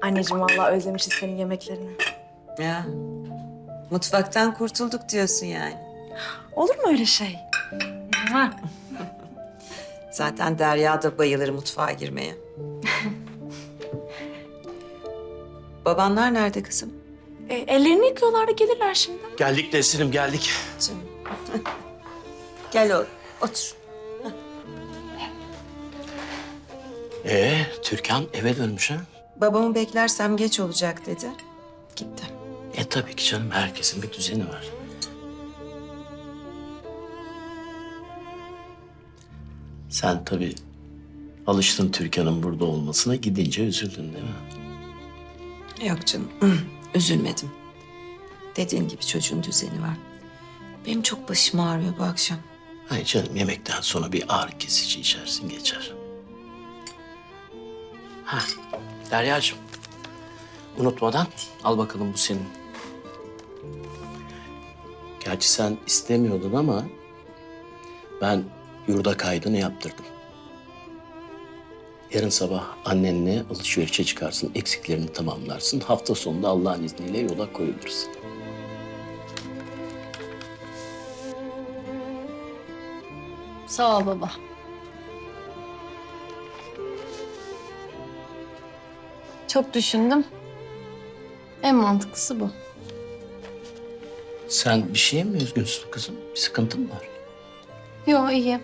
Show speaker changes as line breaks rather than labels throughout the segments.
Anneciğim vallahi özlemişiz senin yemeklerini.
Ya mutfaktan kurtulduk diyorsun yani.
Olur mu öyle şey?
Zaten Derya da bayılır mutfağa girmeye. Babanlar nerede kızım?
Ellerini yıkıyorlar da gelirler şimdi.
Geldik Nesrin'im, geldik.
Canım. Gel oğlum, otur.
Türkan eve dönmüş ha?
Babamı beklersem geç olacak dedi. Gitti.
Tabii ki canım, herkesin bir düzeni var. Sen tabii alıştın Türkan'ın burada olmasına, gidince üzüldün değil mi?
Yok canım, üzülmedim. Dediğin gibi çocuğun düzeni var. Benim çok başım ağrıyor bu akşam.
Hayır canım, yemekten sonra bir ağrı kesici içersin, geçer. Ha, Derya'cığım, unutmadan al bakalım, bu senin. Gerçi sen istemiyordun ama ben yurda kaydını yaptırdım. Yarın sabah annenle alışverişe çıkarsın, eksiklerini tamamlarsın. Hafta sonunda Allah'ın izniyle yola koyuluruz.
Sağ ol baba. Çok düşündüm. En mantıklısı bu.
Sen bir şeye mi üzgünsün kızım? Bir sıkıntın mı var?
Yo, iyi.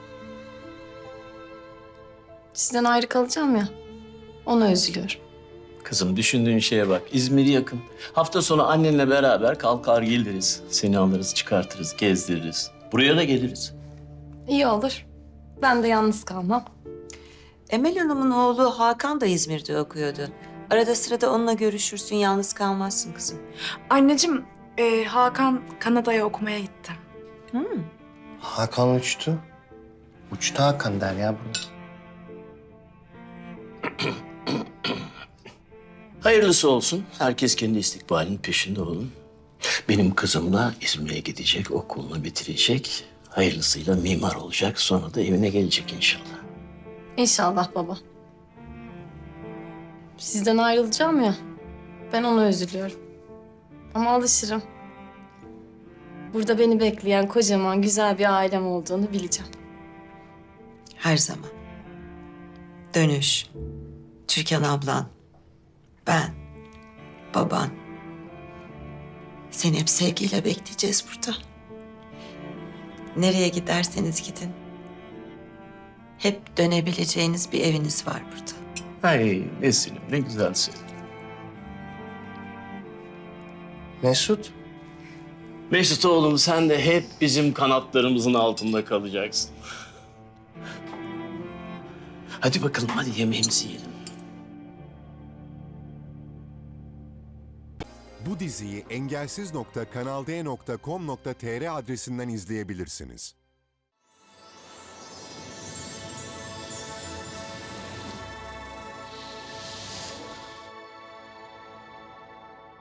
Sizden ayrı kalacağım ya. Ona üzülüyorum.
Kızım, düşündüğün şeye bak. İzmir yakın. Hafta sonu annenle beraber kalkar geliriz. Seni alırız, çıkartırız, gezdiririz. Buraya da geliriz.
İyi olur. Ben de yalnız kalmam.
Emel Hanım'ın oğlu Hakan da İzmir'de okuyordu. Arada sırada onunla görüşürsün, yalnız kalmazsın kızım.
Anneciğim Hakan Kanada'ya okumaya gitti.
Hakan uçtu. Uçtu Hakan der ya bunu.
Hayırlısı olsun. Herkes kendi istikbalinin peşinde olun. Benim kızım da İzmir'e gidecek, okulunu bitirecek. Hayırlısıyla mimar olacak. Sonra da evine gelecek inşallah.
İnşallah baba. Sizden ayrılacağım ya. Ben ona üzülüyorum. Ama alışırım. Burada beni bekleyen kocaman güzel bir ailem olduğunu bileceğim.
Her zaman. Dönüş, Türkan ablan, ben, baban. Seni hep sevgiyle bekleyeceğiz burada. Nereye giderseniz gidin. Hep dönebileceğiniz bir eviniz var burada.
Ay Nesin'im, ne güzel söylüyorsun.
Mesut.
Mesut oğlum, sen de hep bizim kanatlarımızın altında kalacaksın. Hadi bakalım, hadi yemeğimizi yiyelim.
Bu diziyi engelsiz.kanalde.com.tr adresinden izleyebilirsiniz.